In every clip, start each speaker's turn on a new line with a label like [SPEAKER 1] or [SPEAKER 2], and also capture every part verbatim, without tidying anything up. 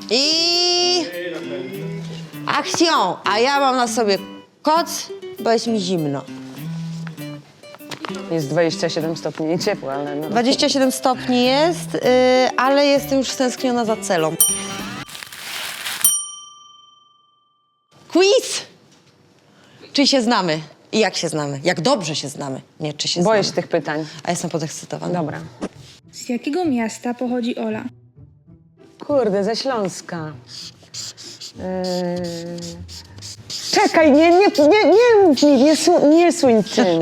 [SPEAKER 1] I... Akcją! A ja mam na sobie koc, bo jest mi zimno.
[SPEAKER 2] Jest dwadzieścia siedem stopni i ciepło, ale... No.
[SPEAKER 1] dwadzieścia siedem stopni jest, yy, ale jestem już stęskniona za celą. Quiz! Czy się znamy? I jak się znamy? Jak dobrze się znamy? Nie, czy się
[SPEAKER 2] Boję się
[SPEAKER 1] znamy.
[SPEAKER 2] tych pytań.
[SPEAKER 1] A jestem podekscytowana.
[SPEAKER 2] Dobra.
[SPEAKER 3] Z jakiego miasta pochodzi Ola?
[SPEAKER 2] Kurde, ze Śląska. Yy... Czekaj, nie, nie, nie, nie mów mi, nie, su, nie suń tym.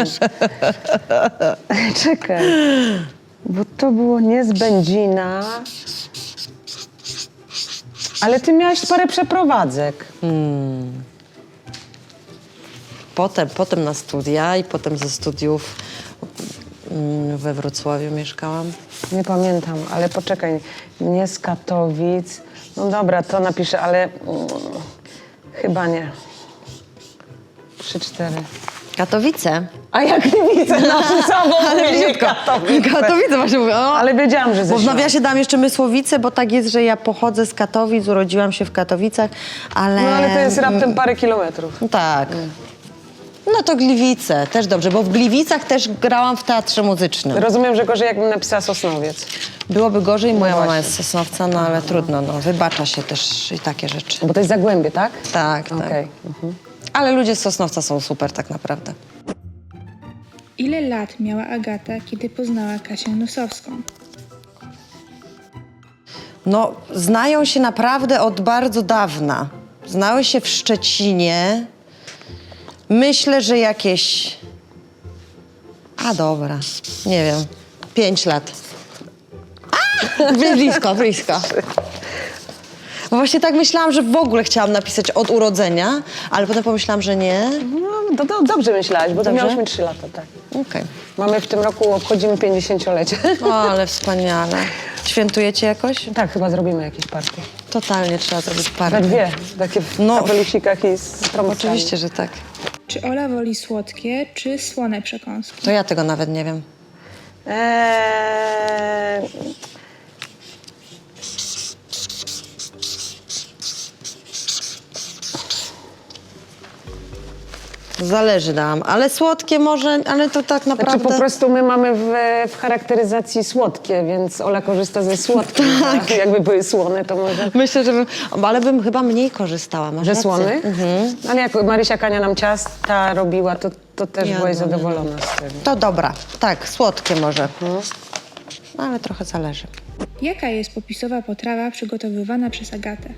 [SPEAKER 2] Czekaj, bo to było nie z Będzina, ale ty miałaś parę przeprowadzek.
[SPEAKER 1] Potem, potem na studia i potem ze studiów mm, we Wrocławiu mieszkałam.
[SPEAKER 2] Nie pamiętam, ale poczekaj, nie z Katowic. No dobra, to napiszę, ale mm, chyba nie. Trzy, cztery.
[SPEAKER 1] Katowice.
[SPEAKER 2] A jak nie widzę, no co,
[SPEAKER 1] Ale bliziutko.
[SPEAKER 2] Katowice.
[SPEAKER 1] Katowice właśnie mówię. O.
[SPEAKER 2] Ale wiedziałam, że ze
[SPEAKER 1] Bo w
[SPEAKER 2] Śląska.
[SPEAKER 1] nawiasie dam jeszcze Mysłowice, bo tak jest, że ja pochodzę z Katowic, urodziłam się w Katowicach, ale...
[SPEAKER 2] No ale to jest raptem parę kilometrów.
[SPEAKER 1] No tak. No to Gliwice, też dobrze, bo w Gliwicach też grałam w teatrze muzycznym.
[SPEAKER 2] Rozumiem, że gorzej jakbym napisała Sosnowiec.
[SPEAKER 1] Byłoby gorzej, moja mama
[SPEAKER 2] właśnie.
[SPEAKER 1] jest z Sosnowca, no ale trudno, no wybacza się też i takie rzeczy.
[SPEAKER 2] Bo to jest Zagłębie, tak?
[SPEAKER 1] Tak, tak.
[SPEAKER 2] Okej.
[SPEAKER 1] Ale ludzie z Sosnowca są super tak naprawdę.
[SPEAKER 3] Ile lat miała Agata, kiedy poznała Kasię Nosowską?
[SPEAKER 1] No, znają się naprawdę od bardzo dawna. Znały się w Szczecinie. Myślę, że jakieś... A dobra, nie wiem, pięć lat. A! Blisko, blisko. Bo właśnie tak myślałam, że w ogóle chciałam napisać od urodzenia, ale potem pomyślałam, że nie.
[SPEAKER 2] No, to, to dobrze myślałaś, bo to
[SPEAKER 1] Dobrze?
[SPEAKER 2] miałyśmy trzy lata, tak.
[SPEAKER 1] Okej.
[SPEAKER 2] Mamy w tym roku, obchodzimy pięćdziesięciolecie.
[SPEAKER 1] O, ale wspaniale. Świętujecie jakoś?
[SPEAKER 2] Tak, chyba zrobimy jakieś partie.
[SPEAKER 1] Totalnie trzeba zrobić
[SPEAKER 2] Na
[SPEAKER 1] parę.
[SPEAKER 2] dwie, takie w
[SPEAKER 1] No.
[SPEAKER 2] kapelusikach i z trąbkami.
[SPEAKER 1] Oczywiście, że tak.
[SPEAKER 3] Czy Ola woli słodkie, czy słone przekąski?
[SPEAKER 1] To ja tego nawet nie wiem.
[SPEAKER 2] Eee...
[SPEAKER 1] Zależy nam, ale słodkie może, ale to tak
[SPEAKER 2] Znaczy
[SPEAKER 1] naprawdę...
[SPEAKER 2] po prostu my mamy w, w charakteryzacji słodkie, więc Ola korzysta ze słodkich. Tak. Jakby były słone, to może...
[SPEAKER 1] Myślę, że bym, ale bym chyba mniej korzystała. Masz
[SPEAKER 2] Że
[SPEAKER 1] rację.
[SPEAKER 2] słony? Ale jak Marysia Kania nam ciasta robiła, to, to też
[SPEAKER 1] Ja
[SPEAKER 2] byłaś
[SPEAKER 1] no,
[SPEAKER 2] zadowolona z tego.
[SPEAKER 1] To dobra, tak, słodkie może. Ale trochę zależy.
[SPEAKER 3] Jaka jest popisowa potrawa przygotowywana przez Agatę?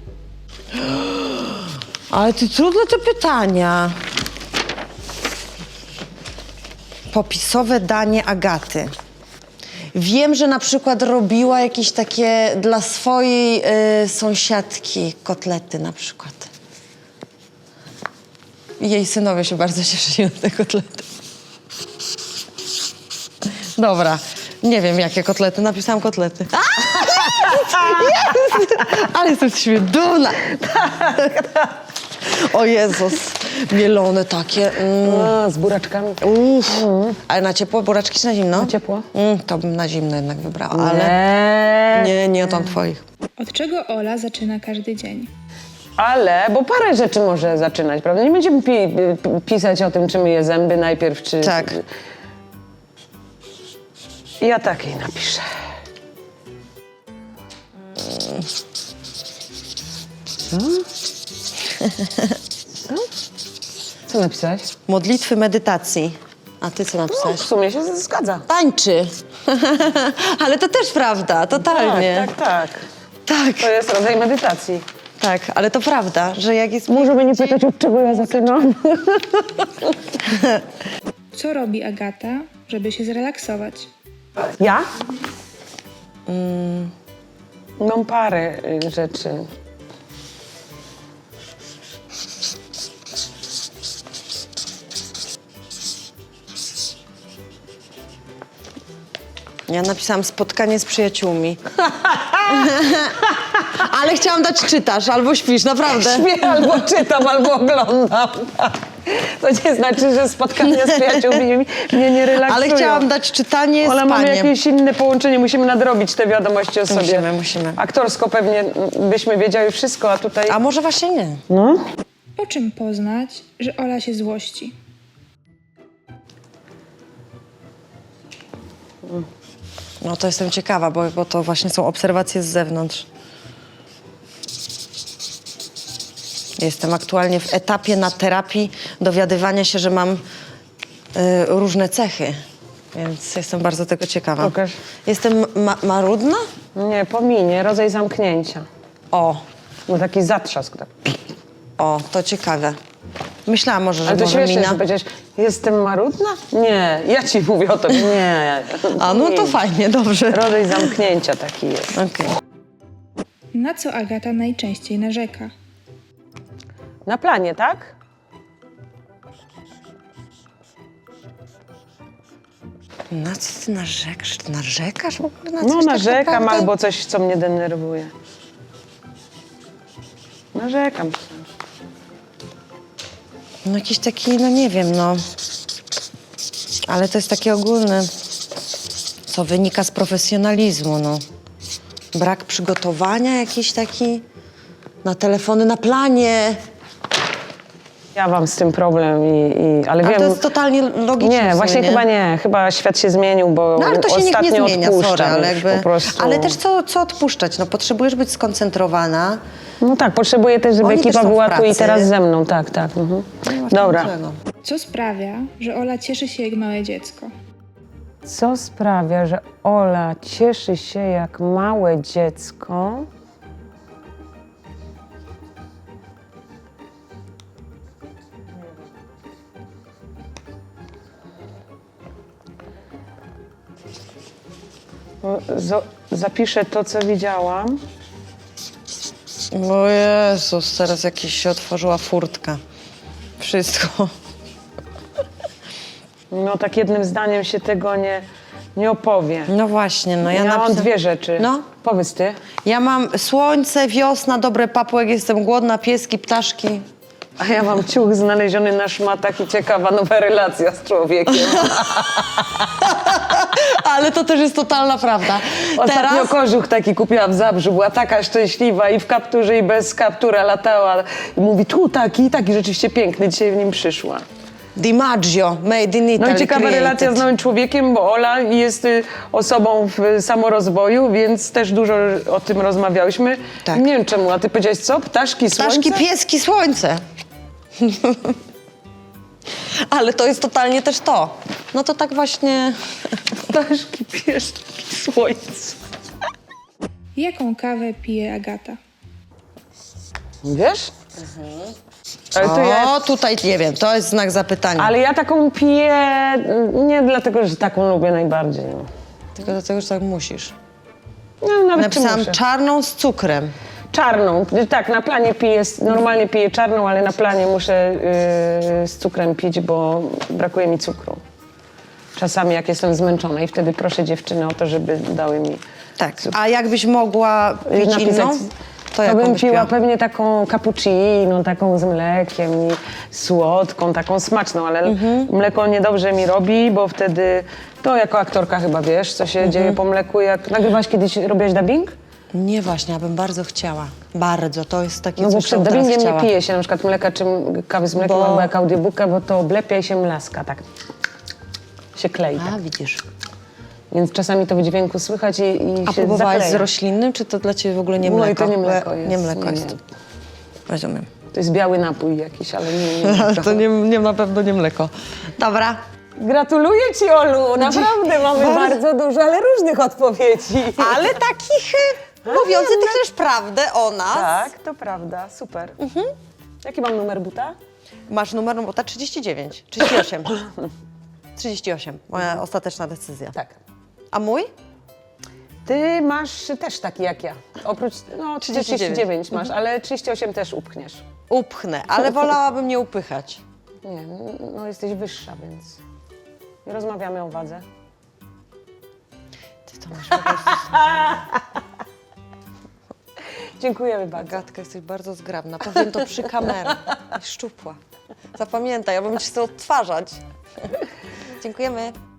[SPEAKER 1] Ale ty trudne te pytania. Popisowe danie Agaty. Wiem, że na przykład robiła jakieś takie dla swojej y, sąsiadki kotlety na przykład. I jej synowie się bardzo cieszyli na te kotlety. Dobra, nie wiem jakie kotlety, napisałam kotlety. A, jest, jest! Ale jestem z siebie dumna. O Jezus, mielone takie. Mm.
[SPEAKER 2] A, z buraczkami.
[SPEAKER 1] Uff. Ale na ciepło? Buraczki czy na zimno?
[SPEAKER 2] Na ciepło.
[SPEAKER 1] Mm, to bym na zimno jednak wybrała, ale
[SPEAKER 2] Ale...
[SPEAKER 1] nie, nie tam twoich.
[SPEAKER 3] Od czego Ola zaczyna każdy dzień?
[SPEAKER 2] Ale, bo parę rzeczy może zaczynać, prawda? Nie będziemy pi pi pisać o tym, czy myje zęby najpierw, czy...
[SPEAKER 1] Tak.
[SPEAKER 2] Ja takiej napiszę. Co? Co napisałeś?
[SPEAKER 1] Modlitwy medytacji. A ty co
[SPEAKER 2] No,
[SPEAKER 1] napisałeś?
[SPEAKER 2] w sumie się zgadza.
[SPEAKER 1] Tańczy. Ale to też prawda, totalnie.
[SPEAKER 2] Tak, tak, tak.
[SPEAKER 1] tak.
[SPEAKER 2] To jest rodzaj medytacji.
[SPEAKER 1] Tak, ale to prawda, że jak jest...
[SPEAKER 2] Możemy nie pytać, od czego ja zaczynam.
[SPEAKER 3] Co robi Agata, żeby się zrelaksować?
[SPEAKER 2] Ja? Mm. Mam parę y, rzeczy.
[SPEAKER 1] Ja napisałam spotkanie z przyjaciółmi. Ale chciałam dać czytasz albo śpisz, naprawdę.
[SPEAKER 2] Śpię albo czytam, albo oglądam. To nie znaczy, że spotkania z przyjaciółmi mnie nie relaksują.
[SPEAKER 1] Ale chciałam dać czytanie
[SPEAKER 2] Ale
[SPEAKER 1] z
[SPEAKER 2] mamy
[SPEAKER 1] paniem.
[SPEAKER 2] jakieś inne połączenie, musimy nadrobić te wiadomości o sobie.
[SPEAKER 1] Musimy, musimy.
[SPEAKER 2] Aktorsko pewnie byśmy wiedziały wszystko, a tutaj...
[SPEAKER 1] A może właśnie nie?
[SPEAKER 2] No?
[SPEAKER 3] Po czym poznać, że Ola się złości?
[SPEAKER 1] No to jestem ciekawa, bo, bo to właśnie są obserwacje z zewnątrz. Jestem aktualnie w etapie na terapii dowiadywania się, że mam y, różne cechy, więc jestem bardzo tego ciekawa.
[SPEAKER 2] Pokaż.
[SPEAKER 1] Jestem ma marudna?
[SPEAKER 2] Nie, pominie, rodzaj zamknięcia.
[SPEAKER 1] O,
[SPEAKER 2] No taki zatrzask. Tak.
[SPEAKER 1] o, to ciekawe. Myślałam może, że
[SPEAKER 2] Ale to
[SPEAKER 1] może
[SPEAKER 2] śmieszne,
[SPEAKER 1] mina.
[SPEAKER 2] że powiedziałeś, jestem marudna? Nie, ja ci mówię o tobie, nie.
[SPEAKER 1] A no to
[SPEAKER 2] Nie.
[SPEAKER 1] fajnie, dobrze.
[SPEAKER 2] Rodzaj zamknięcia taki jest.
[SPEAKER 1] Okej.
[SPEAKER 3] Na co Agata najczęściej narzeka?
[SPEAKER 2] Na planie, tak?
[SPEAKER 1] Na co ty narzekasz? Ty narzekasz w ogóle na coś
[SPEAKER 2] No
[SPEAKER 1] tak
[SPEAKER 2] narzekam
[SPEAKER 1] naprawdę?
[SPEAKER 2] albo coś, co mnie denerwuje. Narzekam.
[SPEAKER 1] No jakiś taki, no nie wiem, no. Ale to jest takie ogólne, co wynika z profesjonalizmu, no. Brak przygotowania jakiś taki na telefony na planie.
[SPEAKER 2] Ja mam z tym problem, i, i, ale
[SPEAKER 1] Ale
[SPEAKER 2] wiem...
[SPEAKER 1] to jest totalnie logiczne. w
[SPEAKER 2] Nie,
[SPEAKER 1] sumie,
[SPEAKER 2] właśnie
[SPEAKER 1] nie?
[SPEAKER 2] chyba nie. Chyba świat się zmienił, bo
[SPEAKER 1] No ale to się nikt
[SPEAKER 2] ostatnio
[SPEAKER 1] nie zmienia,
[SPEAKER 2] odpuszczam
[SPEAKER 1] sorry, ale
[SPEAKER 2] już
[SPEAKER 1] jakby...
[SPEAKER 2] po prostu.
[SPEAKER 1] Ale też co, co odpuszczać? No potrzebujesz być skoncentrowana.
[SPEAKER 2] No tak, potrzebuję też, żeby
[SPEAKER 1] Oni też
[SPEAKER 2] ekipa
[SPEAKER 1] są w
[SPEAKER 2] była tu i
[SPEAKER 1] pracy.
[SPEAKER 2] teraz ze mną. Tak, tak. Mhm.
[SPEAKER 1] Nie ma
[SPEAKER 2] Dobra.
[SPEAKER 1] niczego.
[SPEAKER 3] Co sprawia, że Ola cieszy się jak małe dziecko?
[SPEAKER 2] Co sprawia, że Ola cieszy się jak małe dziecko? No, zo- Zapiszę to, co widziałam.
[SPEAKER 1] O Jezus, teraz jakiś się otworzyła furtka. Wszystko.
[SPEAKER 2] No tak jednym zdaniem się tego nie, nie opowie.
[SPEAKER 1] No właśnie, no ja,
[SPEAKER 2] Ja, mam
[SPEAKER 1] napisa-
[SPEAKER 2] dwie rzeczy.
[SPEAKER 1] No.
[SPEAKER 2] Powiedz ty.
[SPEAKER 1] Ja mam słońce, wiosna, dobre papłek, jestem głodna, pieski, ptaszki.
[SPEAKER 2] A ja mam ciuch znaleziony na szmatach i ciekawa nowa relacja z człowiekiem.
[SPEAKER 1] Ale to też jest totalna prawda.
[SPEAKER 2] Ostatnio
[SPEAKER 1] Teraz
[SPEAKER 2] kożuch taki kupiła w Zabrzu, była taka szczęśliwa i w kapturze i bez kaptura latała. I mówi, tu taki, taki rzeczywiście piękny, dzisiaj w nim przyszła.
[SPEAKER 1] DiMaggio, made in Italy.
[SPEAKER 2] No i ciekawa
[SPEAKER 1] created.
[SPEAKER 2] relacja z nowym człowiekiem, bo Ola jest y, osobą w samorozwoju, więc też dużo o tym rozmawiałyśmy.
[SPEAKER 1] Tak.
[SPEAKER 2] Nie wiem czemu, a ty powiedziałeś co? Ptaszki, słońce?
[SPEAKER 1] Ptaszki, pieski, słońce. Ale to jest totalnie też to. No to tak właśnie...
[SPEAKER 2] Ptaszki, pieski, słońce.
[SPEAKER 3] Jaką kawę pije Agata?
[SPEAKER 2] Wiesz? Ale to ja...
[SPEAKER 1] O, tutaj nie wiem, to jest znak zapytania.
[SPEAKER 2] Ale ja taką piję nie dlatego, że taką lubię najbardziej. No.
[SPEAKER 1] Tylko dlatego, że tak musisz.
[SPEAKER 2] No, nawet czy
[SPEAKER 1] Napisałam
[SPEAKER 2] muszę.
[SPEAKER 1] czarną z cukrem.
[SPEAKER 2] Czarną. Tak, na planie piję, normalnie piję czarną, ale na planie muszę yy, z cukrem pić, bo brakuje mi cukru. Czasami jak jestem zmęczona i wtedy proszę dziewczyny o to, żeby dały mi
[SPEAKER 1] Tak.
[SPEAKER 2] cukier.
[SPEAKER 1] A jakbyś mogła pić
[SPEAKER 2] Napisać-
[SPEAKER 1] inną, to
[SPEAKER 2] To
[SPEAKER 1] jaką
[SPEAKER 2] bym
[SPEAKER 1] byś
[SPEAKER 2] piła
[SPEAKER 1] piła?
[SPEAKER 2] pewnie taką cappuccino, taką z mlekiem i słodką, taką smaczną, ale
[SPEAKER 1] Mhm.
[SPEAKER 2] mleko niedobrze mi robi, bo wtedy, to jako aktorka chyba wiesz, co się
[SPEAKER 1] Mhm.
[SPEAKER 2] dzieje po mleku. Jak nagrywałaś kiedyś, robiłaś dubbing?
[SPEAKER 1] Nie właśnie, ja bym bardzo chciała. Bardzo, to jest takie
[SPEAKER 2] No bo
[SPEAKER 1] coś,
[SPEAKER 2] przed
[SPEAKER 1] co bym teraz
[SPEAKER 2] dubbingiem nie
[SPEAKER 1] chciała.
[SPEAKER 2] pije się na przykład mleka czy m- kawy z mlekiem
[SPEAKER 1] Bo-
[SPEAKER 2] albo jak audiobooka, bo to oblepia i się mlaska, tak się klei. Tak.
[SPEAKER 1] A, widzisz.
[SPEAKER 2] Więc czasami to w dźwięku słychać i, i
[SPEAKER 1] A
[SPEAKER 2] się
[SPEAKER 1] próbowałaś
[SPEAKER 2] zakleja.
[SPEAKER 1] z roślinnym, czy to dla ciebie w ogóle nie
[SPEAKER 2] No i
[SPEAKER 1] mleko?
[SPEAKER 2] to nie mleko jest,
[SPEAKER 1] Nie mleko
[SPEAKER 2] nie,
[SPEAKER 1] jest.
[SPEAKER 2] nie.
[SPEAKER 1] Rozumiem.
[SPEAKER 2] To jest biały napój jakiś, ale nie, nie, nie
[SPEAKER 1] To nie, nie na pewno nie mleko. Dobra.
[SPEAKER 2] Gratuluję ci, Olu, naprawdę mamy
[SPEAKER 1] Bardzo-
[SPEAKER 2] bardzo dużo, ale różnych odpowiedzi.
[SPEAKER 1] Ale takich e, mówiących też prawdę o nas.
[SPEAKER 2] Tak, to prawda, super. Jaki mam numer buta?
[SPEAKER 1] Masz numer robota trzydzieści dziewięć, trzydzieści osiem. trzydzieści osiem, moja ostateczna decyzja.
[SPEAKER 2] Tak.
[SPEAKER 1] A mój?
[SPEAKER 2] Ty masz też taki jak ja. Oprócz, no
[SPEAKER 1] trzydzieści dziewięć.
[SPEAKER 2] trzydzieści dziewięć masz, ale trzydzieści osiem też upchniesz.
[SPEAKER 1] Upchnę, ale wolałabym nie upychać.
[SPEAKER 2] Nie, no jesteś wyższa, więc nie rozmawiamy o wadze.
[SPEAKER 1] Ty to masz po prostu...
[SPEAKER 2] Dziękujemy bardzo.
[SPEAKER 1] Agatka, jesteś bardzo zgrabna. Powiem to przy kamerze. I szczupła. Zapamiętaj, ja bym ci chcę odtwarzać. Dziękujemy.